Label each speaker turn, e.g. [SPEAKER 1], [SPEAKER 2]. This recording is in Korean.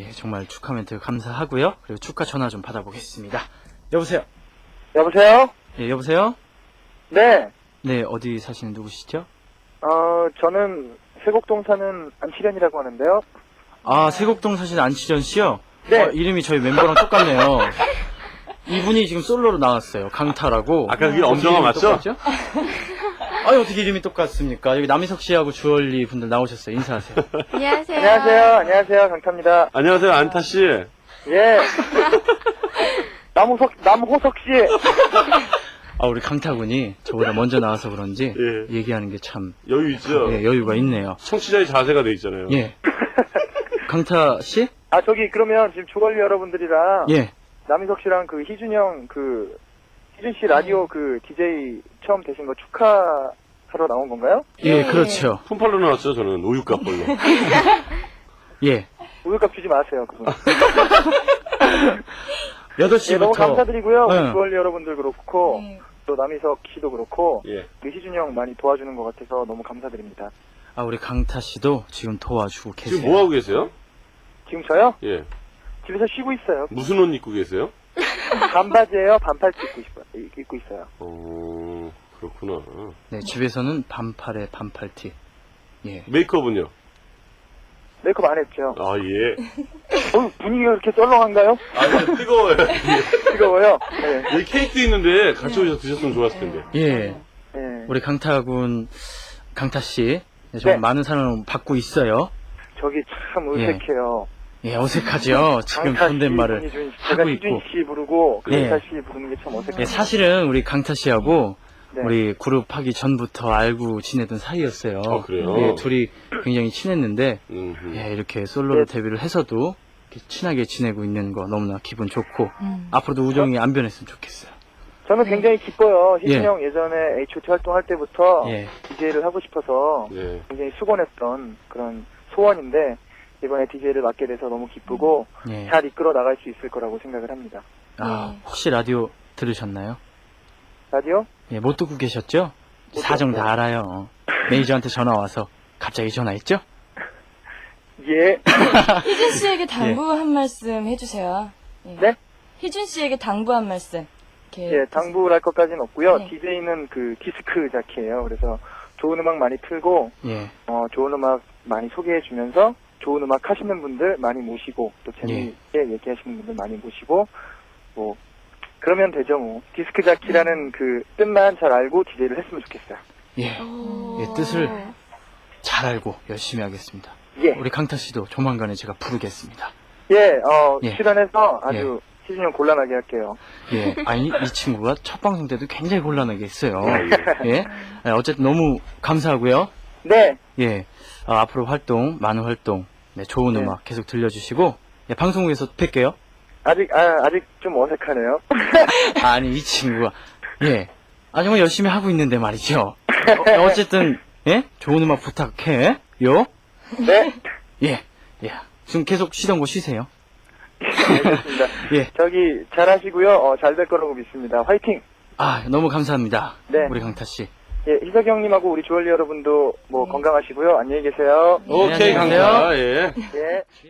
[SPEAKER 1] 정말 축하 멘트 감사하고요. 그리고 축하 전화 좀 받아보겠습니다. 여보세요?
[SPEAKER 2] 여보세요?
[SPEAKER 1] 예, 여보세요?
[SPEAKER 2] 네.
[SPEAKER 1] 네, 어디 사시는 누구시죠?
[SPEAKER 2] 저는 세곡동 사는 안치련이라고 하는데요.
[SPEAKER 1] 아, 세곡동 사시는 안치전 씨요?
[SPEAKER 2] 네.
[SPEAKER 1] 이름이 저희 멤버랑 똑같네요. 이분이 지금 솔로로 나왔어요. 강타라고.
[SPEAKER 3] 아까 그게 엄정화 맞죠?
[SPEAKER 1] 아니, 어떻게 이름이 똑같습니까? 여기 남희석 씨하고 주얼리 분들 나오셨어요. 인사하세요.
[SPEAKER 4] 안녕하세요.
[SPEAKER 2] 안녕하세요. 안녕하세요. 강타입니다.
[SPEAKER 3] 안녕하세요, 안타 씨.
[SPEAKER 2] 예. 남호석 씨.
[SPEAKER 1] 아, 우리 강타군이 저보다 먼저 나와서 그런지
[SPEAKER 3] 예.
[SPEAKER 1] 얘기하는 게 참
[SPEAKER 3] 여유 있죠?
[SPEAKER 1] 예, 여유가 있네요.
[SPEAKER 3] 청취자의 자세가 돼 있잖아요.
[SPEAKER 1] 예. 강타 씨?
[SPEAKER 2] 그러면 지금 주걸리 여러분들이랑
[SPEAKER 1] 예.
[SPEAKER 2] 남희석 씨랑 희준 형 희준 씨 라디오 DJ 처음 되신 거 축하하러 나온 건가요?
[SPEAKER 1] 예, 그렇죠.
[SPEAKER 3] 폰팔로 나왔죠, 저는. 우유값벌로.
[SPEAKER 1] 예.
[SPEAKER 2] 우유값 주지 마세요, 그분.
[SPEAKER 1] 8시부터.
[SPEAKER 2] 예, 너무 감사드리고요. 우리
[SPEAKER 1] 응.
[SPEAKER 2] 주걸리 여러분들 그렇고 또 남희석 씨도 그렇고
[SPEAKER 3] 예.
[SPEAKER 2] 우리 희준 형 많이 도와주는 것 같아서 너무 감사드립니다.
[SPEAKER 1] 아, 우리 강타 씨도 지금 도와주고 계세요.
[SPEAKER 3] 지금 뭐하고 계세요?
[SPEAKER 2] 지금 저요?
[SPEAKER 3] 예.
[SPEAKER 2] 집에서 쉬고 있어요.
[SPEAKER 3] 무슨 옷 입고 계세요?
[SPEAKER 2] 반바지예요. 반팔티 입고 있어요.
[SPEAKER 3] 그렇구나.
[SPEAKER 1] 네, 집에서는 반팔에 반팔티. 예.
[SPEAKER 3] 메이크업은요?
[SPEAKER 2] 메이크업 안 했죠.
[SPEAKER 3] 아, 예.
[SPEAKER 2] 분위기가 그렇게 썰렁한가요?
[SPEAKER 3] 아, 이거 뜨거워요.
[SPEAKER 2] 뜨거워요. 네.
[SPEAKER 3] 여기 케이크도 있는데 같이 오셔서 드셨으면 좋았을 텐데.
[SPEAKER 1] 예.
[SPEAKER 2] 네.
[SPEAKER 1] 우리 강타군, 강타 씨. 네, 정말
[SPEAKER 2] 네.
[SPEAKER 1] 많은 사랑을 받고 있어요.
[SPEAKER 2] 저기 참 어색해요.
[SPEAKER 1] 예, 어색하죠. 지금
[SPEAKER 2] 강타 씨,
[SPEAKER 1] 존댓말을
[SPEAKER 2] 제가
[SPEAKER 1] 하고
[SPEAKER 2] 희준
[SPEAKER 1] 있고.
[SPEAKER 2] 씨 부르고
[SPEAKER 1] 네.
[SPEAKER 2] 강타 씨 부르는 게 참 어색해요.
[SPEAKER 1] 예, 사실은 우리 강타 씨하고
[SPEAKER 2] 네.
[SPEAKER 1] 우리 그룹 하기 전부터 알고 지내던 사이였어요.
[SPEAKER 3] 아, 그래요?
[SPEAKER 1] 예, 둘이 굉장히 친했는데,
[SPEAKER 3] 음흠.
[SPEAKER 1] 예, 이렇게 솔로로
[SPEAKER 2] 네.
[SPEAKER 1] 데뷔를 해서도 이렇게 친하게 지내고 있는 거 너무나 기분 좋고, 앞으로도 우정이 안 변했으면 좋겠어요.
[SPEAKER 2] 저는 굉장히 기뻐요. 희준
[SPEAKER 1] 예.
[SPEAKER 2] 형 예전에 H.O.T 활동할 때부터
[SPEAKER 1] 예.
[SPEAKER 2] DJ를 하고 싶어서
[SPEAKER 3] 예.
[SPEAKER 2] 굉장히 수곤했던 그런 소원인데 이번에 DJ를 맡게 돼서 너무 기쁘고
[SPEAKER 1] 예.
[SPEAKER 2] 잘 이끌어 나갈 수 있을 거라고 생각을 합니다.
[SPEAKER 1] 아, 혹시 라디오 들으셨나요?
[SPEAKER 2] 라디오?
[SPEAKER 1] 예, 못 듣고 계셨죠?
[SPEAKER 2] 못
[SPEAKER 1] 사정
[SPEAKER 2] 들었어요.
[SPEAKER 1] 다 알아요. 매니저한테 전화 와서 갑자기 전화했죠?
[SPEAKER 2] 예.
[SPEAKER 4] 희준 씨에게 당부 한 말씀 해주세요. 예.
[SPEAKER 2] 네?
[SPEAKER 4] 희준 씨에게 당부 한 말씀. 이렇게
[SPEAKER 2] 예, 당부를 할 것까지는 없고요.
[SPEAKER 4] 네.
[SPEAKER 2] DJ는 디스크 자키예요. 그래서 좋은 음악 많이 틀고
[SPEAKER 1] 예.
[SPEAKER 2] 좋은 음악 많이 소개해 주면서 좋은 음악 하시는 분들 많이 모시고 또 재미있게 얘기하시는 분들 많이 모시고 뭐 그러면 되죠 뭐. 디스크 자키라는 뜻만 잘 알고 DJ를 했으면 좋겠어요.
[SPEAKER 1] 예. 예, 뜻을 잘 알고 열심히 하겠습니다.
[SPEAKER 2] 예.
[SPEAKER 1] 우리 강타 씨도 조만간에 제가 부르겠습니다.
[SPEAKER 2] 예,
[SPEAKER 1] 예.
[SPEAKER 2] 출연해서 아주 희준 형 곤란하게 할게요.
[SPEAKER 1] 예. 아니, 이 친구가 첫 방송 때도 굉장히 곤란하게 했어요.
[SPEAKER 3] 아, 예.
[SPEAKER 1] 예. 예, 어쨌든 너무 감사하고요.
[SPEAKER 2] 네.
[SPEAKER 1] 예. 앞으로 많은 활동, 네, 좋은
[SPEAKER 2] 네.
[SPEAKER 1] 음악 계속 들려주시고, 예, 방송국에서 뵐게요.
[SPEAKER 2] 아직 좀 어색하네요.
[SPEAKER 1] 아니, 이 친구가, 예. 정말 열심히 하고 있는데 말이죠. 어쨌든, 예? 좋은 음악 부탁해. 요?
[SPEAKER 2] 네.
[SPEAKER 1] 예. 예. 지금 계속 쉬던 거 쉬세요.
[SPEAKER 2] 알겠습니다.
[SPEAKER 1] 예.
[SPEAKER 2] 저기 잘하시고요. 잘 될 거라고 믿습니다. 화이팅!
[SPEAKER 1] 너무 감사합니다.
[SPEAKER 2] 네.
[SPEAKER 1] 우리 강타 씨.
[SPEAKER 2] 예, 희석이 형님하고 우리 주얼리 여러분도 건강하시고요. 안녕히 계세요.
[SPEAKER 3] 오케이,
[SPEAKER 1] 안녕히 계세요.
[SPEAKER 3] 강타. 예.
[SPEAKER 2] 예.